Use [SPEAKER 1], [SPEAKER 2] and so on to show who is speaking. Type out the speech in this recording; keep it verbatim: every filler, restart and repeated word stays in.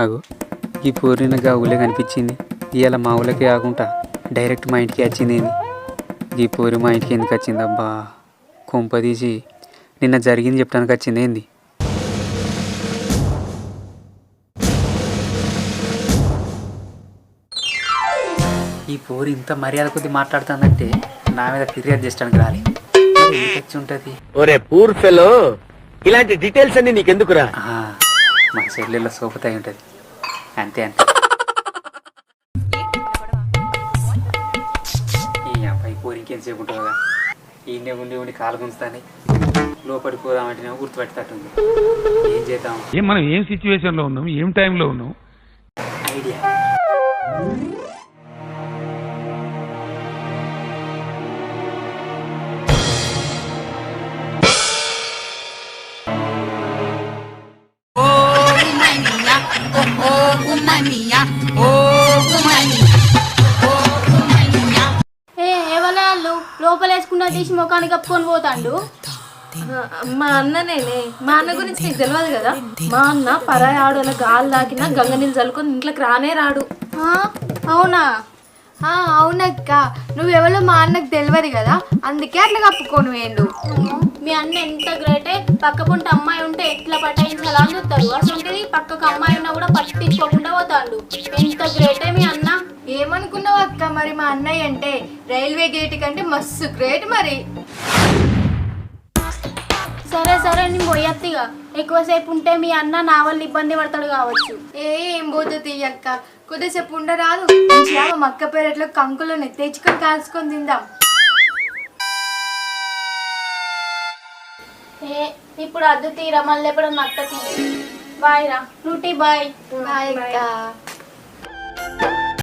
[SPEAKER 1] అగో ఈ పూర్ణిన గా ఊళ్ళే కనిపించింది. ఇవాళ మా ఊళ్ళకే కాకుండా డైరెక్ట్ మా ఇంటికి వచ్చింది ఏంది? ఈ పూరి మా ఇంటికి ఎందుకు వచ్చింది అబ్బా? కొంప తీసి నిన్న జరిగింది చెప్పడానికి వచ్చింది ఏంది? ఈ పూరి ఇంత మర్యాద కొద్ది మాట్లాడుతుందంటే నా మీద ఫిర్యాదు చేసడానికి రాలి వచ్చి ఉంటుంది.
[SPEAKER 2] ఒరే పూర్ ఫెలో, ఇలాంటి డీటెయిల్స్ అన్ని నీకెందుకురా?
[SPEAKER 1] మా చెల్లెల్లో సోపుతాయి ఉంటుంది అంతే అంతే. ఈ అబ్బాయి పూరి ఇంకెంతసేపు ఉంటుందా? ఈయనే ఉండి ఉండి కాలు గుంచుతానే లోపలికి పోదామంటేనే గుర్తుపెట్టేటట్టుంది. ఏం చేద్దాం?
[SPEAKER 3] ఏం మనం ఏం సిచ్యువేషన్ లో ఉన్నాం, ఏం టైంలో ఉన్నాం?
[SPEAKER 1] ఐడియా.
[SPEAKER 4] లోపల వేసుకున్న తీసి ముఖానికి కప్పుకొని పోతాండు.
[SPEAKER 5] మా అన్ననేనే. మా అన్న గురించి నీకు తెలియదు కదా? మా అన్న పరాయి ఆడోళ్ళ గాలి దాకినా గంగ నీళ్ళు చల్లుకొని ఇంట్లోకి రానే రాడు.
[SPEAKER 4] అవునా? అవునక్క, నువ్వెవరో మా అన్నకు తెలియదు కదా, అందుకే అట్లా కప్పుకొని వేయండు. మీ అన్న ఎంత గ్రేటే. పక్క పుంట అమ్మాయి ఉంటే ఎట్లా పటాయించాలా అని చూస్తారు. అసలు పక్కకు అమ్మాయి ఉన్నా కూడా పట్టించుకోకుండా పోతాడు. ఎంత గ్రేటే మీ అన్న. ఏమనుకున్నావు అక్క మరి మా అన్నయ్య అంటే? రైల్వే గేట్ కంటే మస్తు గ్రేట్ మరి. సరే సరే నేను పోయత్తిగా. ఎక్కువసేపు ఉంటే మీ అన్న నా వల్ల ఇబ్బంది పడతాడు కావచ్చు. ఏం పోతుంది అక్క, కొద్దిసేపు ఉండరాదు. మక్క పేరెట్లో కంకులను తెచ్చుకొని కాల్చుకొని తిందాం. ఏ ఇప్పుడు అద్దు తీరా, మళ్ళీ ఎప్పుడు నక్క తీ. బాయ్ రా. నువ్వు బాయ్. బాయ్ అక్క.